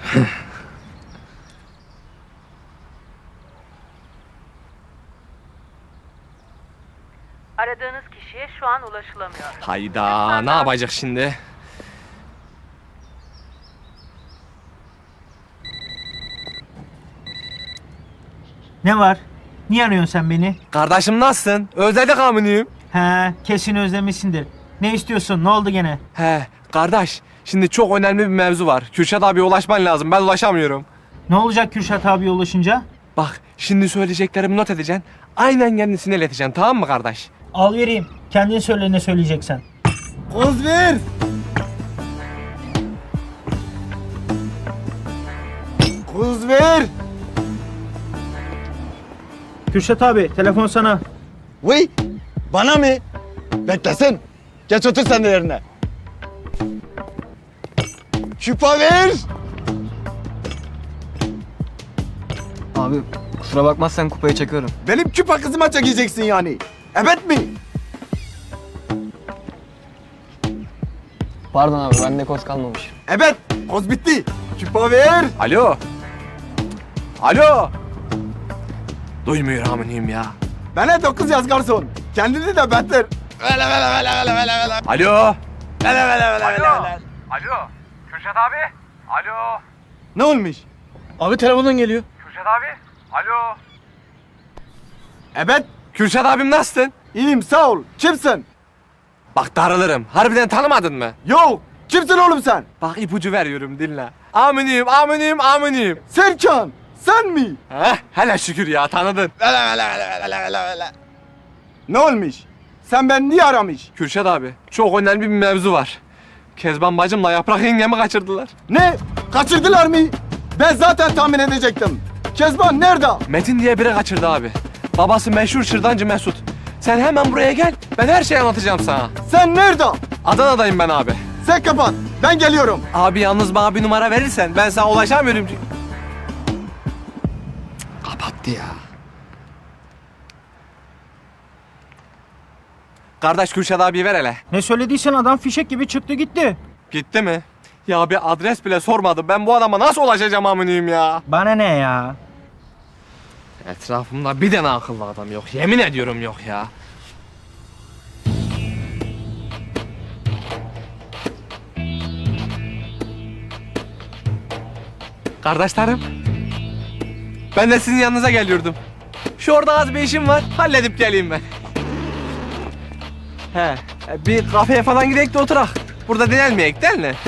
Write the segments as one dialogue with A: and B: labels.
A: Aradığınız kişiye şu an ulaşılamıyor.
B: Hayda, ne yapacak şimdi?
C: Ne var? Niye arıyorsun sen beni?
B: Kardeşim nasılsın? Özledik aminiyim.
C: He, kesin özlemişsindir. Ne istiyorsun? Ne oldu gene?
B: He, kardeş, şimdi çok önemli bir mevzu var. Kürşat abiye ulaşman lazım, ben ulaşamıyorum.
C: Ne olacak Kürşat abiye ulaşınca?
B: Bak, şimdi söyleyeceklerimi not edeceksin. Aynen kendisine ileteceksin, tamam mı kardeş?
C: Al vereyim. Kendin söyle ne söyleyeceksen.
D: Koz ver. Koz ver.
C: Kürşat abi, telefon sana.
D: Vay, bana mı? Beklesin. Geç otur sen de yerine. Küpa ver.
E: Abi kusura bakmazsan kupayı çekiyorum.
D: Benim küpa kızıma çekeceksin yani. Evet mi?
E: Pardon abi bende koz kalmamış.
D: Evet, koz bitti. Küpa ver.
B: Alo? Alo? Duymuyor aminiyim ya.
D: Bana 9 yaz garson. Kendini de beter.
B: Alo?
F: Alo, Kürşat abi. Alo,
D: Ne olmuş?
E: Abi telefondan geliyor.
F: Kürşat abi. Alo.
D: Evet,
B: Kürşat abim nasılsın?
D: iyiyim sağ ol. Kimsin?
B: Bak darılırım. Harbiden tanımadın mı?
D: Yok, kimsin oğlum sen?
B: Bak ipucu veriyorum dinle. Aminiyim, aminiyim, aminiyim.
D: Serkan, sen mi?
B: Heh, hele şükür ya tanıdın.
D: Ne olmuş? Sen beni niye aramış?
B: Kürşat abi, çok önemli bir mevzu var. Kezban bacımla Yaprak yengemi kaçırdılar.
D: Ne? Kaçırdılar mı? Ben zaten tahmin edecektim. Kezban nerede?
B: Metin diye biri kaçırdı abi. Babası meşhur şırdancı Mesut. Sen hemen buraya gel, ben her şeyi anlatacağım sana.
D: Sen nerede?
B: Adana'dayım ben abi.
D: Sen kapat. Ben geliyorum.
B: Abi yalnız bana bir numara verirsen ben sana ulaşamıyorum. Cık, kapattı ya. Kardeş Kürşat abiyi ver hele.
C: Ne söylediysen adam fişek gibi çıktı gitti.
B: Gitti mi? Ya bir adres bile sormadı. Ben bu adama nasıl ulaşacağım aminiyim ya?
C: Bana ne ya?
B: Etrafımda bir tane akıllı adam yok. Yemin ediyorum yok ya. Kardeşlerim. Ben de sizin yanınıza geliyordum. Şu orada az bir işim var. Halledip geleyim ben. He, bir kafeye falan gidelim de oturak. Burada dinlenmeyek değil mi?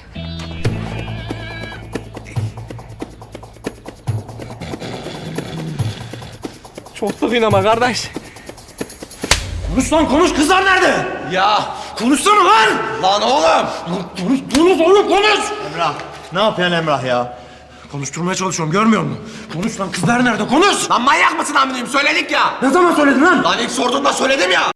B: Çok sıkıyım ama kardeş.
G: Konuş lan konuş, kızlar nerede?
B: Ya
G: Konuşsana lan!
B: lan oğlum.
G: Konuş oğlum konuş!
D: Emrah. Ne yapıyorsun Emrah ya?
G: Konuşturmaya çalışıyorum, görmüyor musun? Konuş lan, kızlar nerede, konuş!
B: Lan manyak mısın aminiyim? Söyledik ya.
G: Ne zaman söyledin lan?
B: Lan ilk sorduğunda söyledim ya.